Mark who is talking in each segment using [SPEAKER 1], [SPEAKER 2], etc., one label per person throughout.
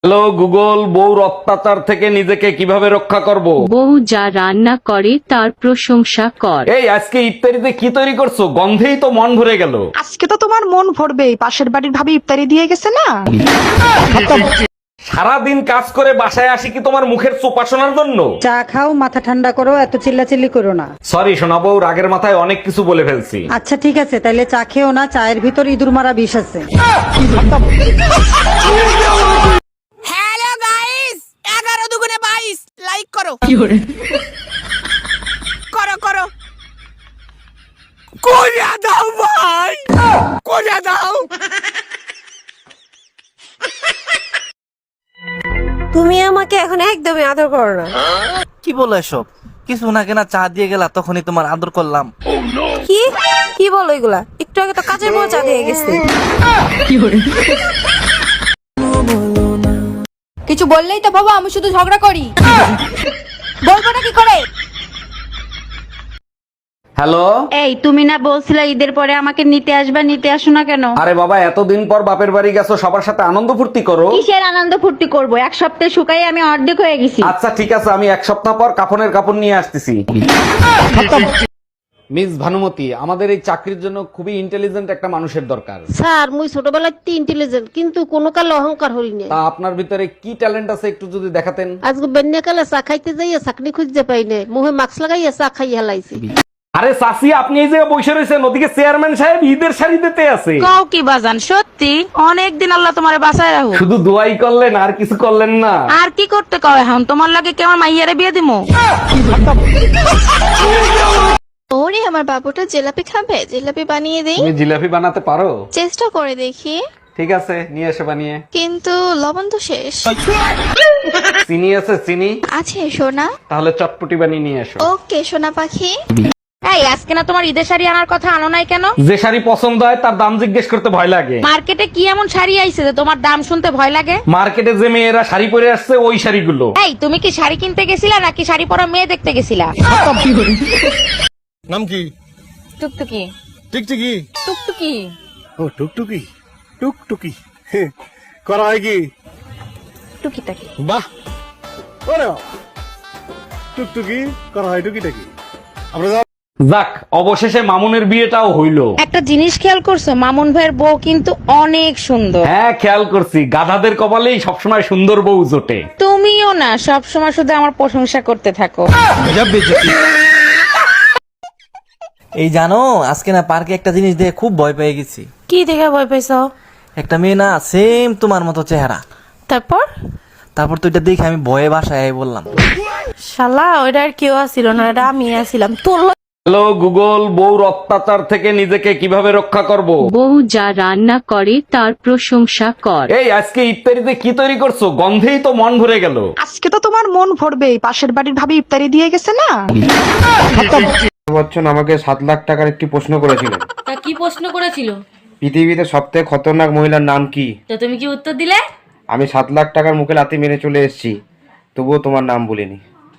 [SPEAKER 1] Hello Google, বউর অত্যাচার থেকে নিজেকে কিভাবে রক্ষা করব?
[SPEAKER 2] বউ যা রান্না করে তার প্রশংসা কর।
[SPEAKER 1] এই আজকে ইফতারিতে কি তৈরি করছো? গন্ধেই তো মন ভরে গেল।
[SPEAKER 3] আজকে তো তোমার মন ভরবেই, পাশের বাড়ির ভাবি ইফতারি দিয়ে গেছে না।
[SPEAKER 1] সারাদিন কাজ করে বাসায় আসি কি তোমার মুখের চোপা শোনার জন্য?
[SPEAKER 4] চা খাও, মাথা ঠান্ডা করো, এত চিল্লাচিল্লি করো না।
[SPEAKER 1] সরি সোনা বউ, রাগের মাথায় অনেক কিছু বলে ফেলছি।
[SPEAKER 4] আচ্ছা ঠিক আছে, তাইলে চা খেও না, চায়ের ভিতর ইঁদুর মারা বিষ আছে।
[SPEAKER 5] হ্যালো গাইস, 11 দুগুণে 22 লাইক করো। করো করো, কইরা দাও ভাই, কইরা দাও।
[SPEAKER 6] তুমি আমাকে এখন একদমই আদর করো না।
[SPEAKER 7] কি বলো এসব? কিছু না কেনা চা দিয়ে গেলা, তখনই তোমার আদর করলাম।
[SPEAKER 6] কি কি বলো এগুলা? একটু আগে তো কাজের বউ চা দিয়ে গেছে।
[SPEAKER 8] কিছু বললেই তো বাবা আমি শুধু ঝগড়া করি। বলবো না কি করে?
[SPEAKER 1] হ্যালো,
[SPEAKER 2] এই তুমি না বলছিলে ঈদের পরে আমাকে নিতে আসবা, নিতে আসো না কেন?
[SPEAKER 1] আরে বাবা, এতদিন পর বাপের বাড়ি গেছো, সবার সাথে আনন্দ ফুর্তি করো।
[SPEAKER 2] কিসের আনন্দ ফুর্তি করবো? এক সপ্তাহে শুকাই আমি অর্ধেক হয়ে গেছি।
[SPEAKER 1] আচ্ছা ঠিক আছে, আমি এক সপ্তাহ পর কাফনের কাপড় নিয়ে আসতেছি। মিস ভানুমতি, আমাদের এই চাকরির জন্য খুবই ইন্টেলিজেন্ট একটা মানুষের দরকার।
[SPEAKER 9] স্যার মুই ছোটবেলায় ইন্টেলিজেন্ট, কিন্তু কোনো কালে অহংকার হই না।
[SPEAKER 1] তা আপনার ভিতরে কি ট্যালেন্ট আছে একটু যদি দেখাতেন।
[SPEAKER 9] আজকে বেন্যাকালে চা খাইতে যাইয়া চাকরি খুঁজতে পাই না, মুহে মাস্ক লাগাইয়া চা খাই হেলাইছি।
[SPEAKER 1] আরে চাচি, আপনি এই জায়গায় বসে রয়েছেন, ওদিকে চেয়ারম্যান সাহেব ঈদের শাড়ি দিতে আছে।
[SPEAKER 8] কাও কি বাজান, সত্যি অনেক দিন আল্লাহ তোমারে বাঁচায় রাখো।
[SPEAKER 1] শুধু দোয়াই করলেন আর কিছু করলেন না।
[SPEAKER 8] আর কি করতে কও এখন? তোমার লাগে কেমন মাইয়ারে বিয়ে দিমু?
[SPEAKER 10] ওরে আমার বাবুটা জিলাপি খাবে, জিলাপি বানিয়ে দেই।
[SPEAKER 1] তুমি জিলাপি বানাতে পারো?
[SPEAKER 10] চেষ্টা করে দেখি,
[SPEAKER 1] ঠিক আছে, নিয়ে এসে বানিয়ে।
[SPEAKER 10] কিন্তু লবণ তো শেষ।
[SPEAKER 1] চিনি আছে? চিনি
[SPEAKER 10] আছে সোনা।
[SPEAKER 1] তাহলে চটপটি বানিয়ে নিয়ে এসো।
[SPEAKER 10] ওকে সোনা পাখি।
[SPEAKER 8] এই আজকে না তোমার ঈদের শাড়ি আনার কথা, আনো নাই কেন?
[SPEAKER 1] যে শাড়ি পছন্দ হয় তার দাম জিজ্ঞেস করতে ভয় লাগে।
[SPEAKER 8] মার্কেটে কি এমন শাড়ি আইছে যে তোমার দাম শুনতে ভয় লাগে?
[SPEAKER 1] মার্কেটে যে মেয়েরা শাড়ি পরে আসছে ওই শাড়িগুলো।
[SPEAKER 8] এই তুমি কি শাড়ি কিনতে গেছিলা নাকি শাড়ি পরা মেয়ে দেখতে গেছিলা?
[SPEAKER 11] নাম কি?
[SPEAKER 8] টুকটুকি।
[SPEAKER 11] টিকটিকি?
[SPEAKER 8] টুকটুকি।
[SPEAKER 11] ও টুকটুকি, টুকটুকি করা হয় কি?
[SPEAKER 8] টুকিটাকি।
[SPEAKER 11] বাহ, ওরে বাবা, টুকটুকি করা হয় টুকিটাকি। আমরা
[SPEAKER 1] যাক, অবশেষে মামুনের বিয়েটাও হইলো।
[SPEAKER 8] একটা জিনিস খেয়াল করছো, মামুন ভাইয়ের বউ কিন্তু অনেক সুন্দর।
[SPEAKER 1] হ্যাঁ খেয়াল করছি, গাধাদের কপালেই সবসময় সুন্দর বউ জোটে।
[SPEAKER 8] তুমিও না সব সময় শুধু আমার প্রশংসা করতে থাকো।
[SPEAKER 7] এই জানো, আজকে না পার্কে একটা জিনিস দেখে খুব ভয় পেয়ে গেছি।
[SPEAKER 6] কি দেখে ভয় পাইছো?
[SPEAKER 7] একটা মেয়ে না সেম তোমার মতো চেহারা।
[SPEAKER 6] তারপর
[SPEAKER 7] তো এটা দেখে আমি ভয়ে বাসায় বললাম।
[SPEAKER 6] শালা ওইটা আর কেউ আসিল না, এটা আমি আসিলাম। তোর
[SPEAKER 1] হ্যালো গুগল, বউর অত্যাচার থেকে নিজেকে কিভাবে রক্ষা করব?
[SPEAKER 2] বউ যা রান্না করে তার প্রশংসা কর।
[SPEAKER 1] এই আজকে ইফতারিতে কি তৈরি করছো? গন্ধেই তো মন ভরে গেল।
[SPEAKER 3] আজকে তো তোমার মন ভরবেই, পাশের বাড়ির ভাবি ইফতারি দিয়ে গেছে না।
[SPEAKER 12] বচ্চন আমাকে 7 লাখ টাকার একটি প্রশ্ন করেছিলেন।
[SPEAKER 8] তা কি প্রশ্ন করেছিল?
[SPEAKER 12] পৃথিবীতে সবথেকে খতরনাক মহিলার নাম কি?
[SPEAKER 8] তো তুমি কি উত্তর দিলে?
[SPEAKER 12] আমি 7 লাখ টাকার মুখে লাথি মেরে চলে এসেছি, তবুও তোমার নাম বলিনি।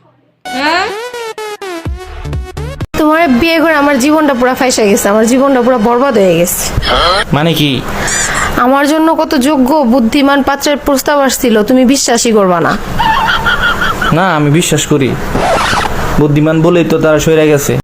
[SPEAKER 6] তোমার বিয়ে করে আমার জীবনটা পুরো ফাইসা গেছে, আমার জীবনটা পুরো বরবাদ হয়ে গেছে।
[SPEAKER 7] মানে কি?
[SPEAKER 6] আমার জন্য কত যোগ্য বুদ্ধিমান পাত্রের প্রস্তাব আসছিল, তুমি বিশ্বাসই করবা না।
[SPEAKER 7] না, আমি বিশ্বাস করি। বুদ্ধিমান বলেই তো তারা সরে গেছে।